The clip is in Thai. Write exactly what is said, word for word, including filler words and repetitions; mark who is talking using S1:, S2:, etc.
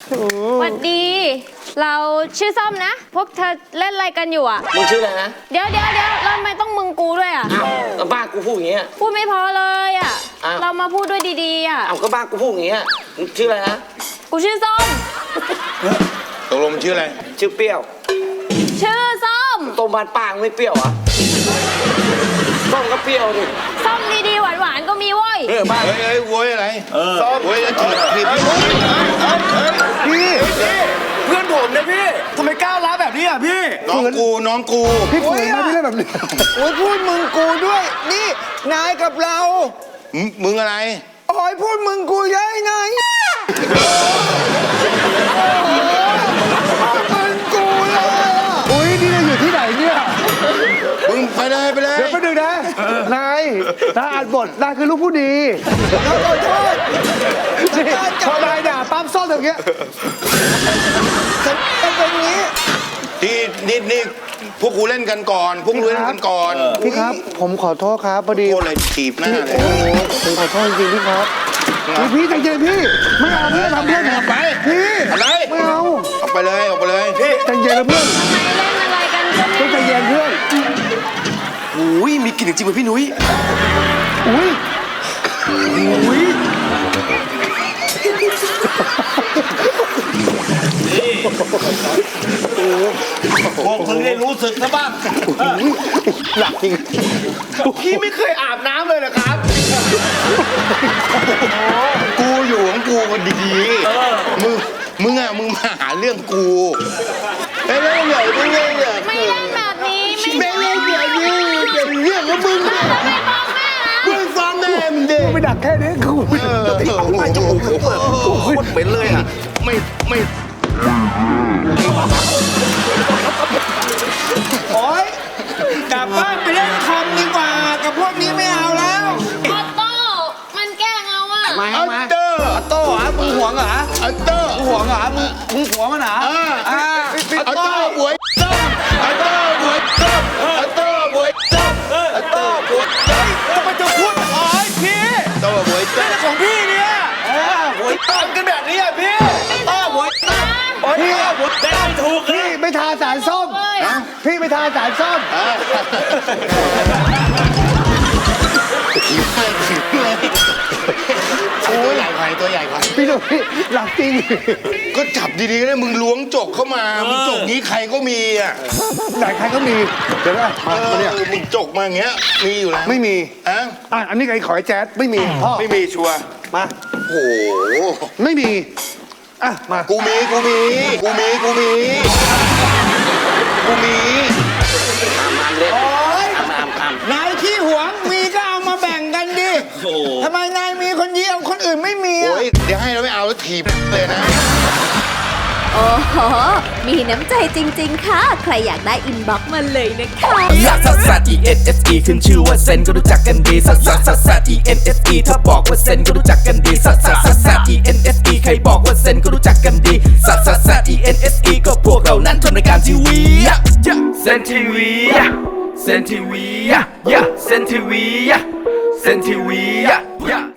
S1: สวัสดีเราชื่อส้มนะพวกเธอเล่นอะไรกันอยู่อ่ะ
S2: มึงชื่ออะไรนะ
S1: เดี๋ยวเดี๋ยวเดี๋ยวเราทำไมต้องมึงกูด้วยอ่ะ
S2: อ้าวก็บ้ากูพูดอย่างเงี้ย
S1: พูดไม่พอเลยอ่ะเรามาพูดด้วยดีๆอ่ะ
S2: อ้าวก็บ้ากูพูดอย่างเงี้ยมึงชื่ออะไรนะ
S1: กูชื่อส้ม
S3: ตกลงชื่ออะไร
S2: ชื่อเปรี้ยว
S1: ชื่อส้ม
S2: ต้มบานปางไม่เปรี้ยวอ่ะส้มก็เปรี้ยวดิ
S1: ส้มดีๆหวานๆก็มีเว้ย
S3: เฮ้ยบ้าเฮ้ยเฮ้ยโวยอะไรส้มโวยจะจีบจีบ
S4: พี่เพื่อนผมนะพี่ทำไมก้าวร้าวแบบนี้อ่ะพี่
S3: น้องกูน้องกู
S4: พี่ฝืนมาพี่เล่นแบบนี้โอ้ยพูดมึงกูด้วยนี่นายกับเรา
S3: มึงอะไร
S4: โอ้ยพูดมึงกูเยอะไงมึงกูเลยอุ้ยนี่เราอยู่ที่ไหนเนี่ย
S3: มึงไปเลยไปเลย
S4: เดี๋ยวไปดูนะนายถ้าอ่านบทนายคือลูกผู้ดีขอโทษพอนายด่าปั๊มซ่อนอย่างเงี้ยฉันเป็นอย่างนี้
S3: ที่นี่นี่พวกกูเล่นกันก่อนพวกกูเล่นกันก่อน
S4: พี่ครับผมขอโทษครับพอดี
S3: โทษเลยถีบหน้าเลย
S4: ผมขอโทษจริงๆพี่ครับพี่ใจเย็นพี่ไม่เอาพี่ทำเพื่อนผม
S3: ไป
S4: พี่
S3: อะไร
S4: ไม่เอา
S3: ออกไปเลยออกไปเลย
S4: พี่ใจเย็นนะเพื่อน
S1: ทำไมเล่นอะไรกันเพื่อน
S4: ใจเย็นเพื่อน
S5: อุ้ยมีกลิ่นจริงๆเหมือนพี่นุ้ย
S4: อุ้ยอุ้ย
S5: พวกมึงได้รู้สึกนะบ้าง
S4: หลักจริง
S5: พี่ไม่เคยอาบน้ำเลยเหรอครับ
S3: กูอยู่ของกูมันดีมึงมึงอ่ะมึงมาหาเรื่องกูไม่เล่นเลยไม่เล่นเลย
S1: ไม่เล่นแบบนี้
S3: ไม่เล่นแบบนี้เป็นเรื่องของมึงมึงฟ้องแม่มึงเด็ก
S4: ไปดักแค่นี้กู
S3: ตีออกมาจมูกกูโคตรเป็นเลยอ่ะไม่ไม่
S4: โอ๊ยกลับบ้านไปเล่นคอมดีกว่ากับพวกนี้ไม่เอาแล้ว
S1: ออโต้มันแกล้งเอาอ่ะ
S4: มาอัตเตอร์อัตโต้เหรอมึงหวงเหรอ
S3: อัตเตอร์
S4: มึงหวงเหรอมึงมึงหวงมันเหรอ
S3: อ่าอัตเตอร์บวยต้มอัตเตอร์บวยต้มอัตเตอร์บวยต้มอัตเตอร์บวยต้ม
S4: ทำไมจะพูดอ๋อพี่
S3: อัตเตอร์บวยต้ม
S4: ของพี่เนี่ยหวยต้มกันแบบนี้อ่ะพี่ต้มหวยต้มพี่หวยต้มถูกพี่ไม่ทาสารส้มพี่ไม่ทาสารส้ม
S3: ตัวใหญ่ไปตัวใหญ่ไป
S4: พี่หนุ่ยหลักจริง
S3: ก็จับดีๆเลยมึงล้วงจกเข้ามามึงจกนี้ใครก็มีอ่ะ
S4: ไหนใครก็มีเดี๋ยวนะมาเนี่ย
S3: มึงจกมาอย่างเงี้ยมีอยู่แล้ว
S4: ไม่มี
S3: อ่ะ
S4: อ่ะอันนี้ไอ้ขอยแจ๊ดไม่มีพ่อ
S3: ไม่มีชัวร์
S4: มา
S3: โอ้โห
S4: ไม่มีอ่ะมา
S3: กูมีกูมีกูมีกูมีกูมี
S2: อามอามเล่นอามอามอาม
S4: นายขี้หวงมีก็เอามาแบ่งกันดิทำไมนายมีคนเดียวคนอื่นไม่มีอ่ะ
S3: เดี๋ยวให้เราไม่เอาแล้วถีบเลยนะ
S6: โอ้โหมีน้ำใจจริงๆค่ะใครอยากได้อินบ็อกซ์มาเลยนะคะ
S7: ลักซัสซัส E N S E ขึ้นชื่อว่าเซนก็รู้จักกันดีซัสซัสซัสซัส E N S E ถ้าบอกว่าเซนก็รู้จักกันดีซัสซัสซัสซัส E N S E ใครบอกว่าเซนก็รู้จักกันดีซัสซัสซัส E N S E ก็พวกเรานั้นทำรายการทีวีเซนทีวีเซนทีวีเซนทีวีเซนทีวี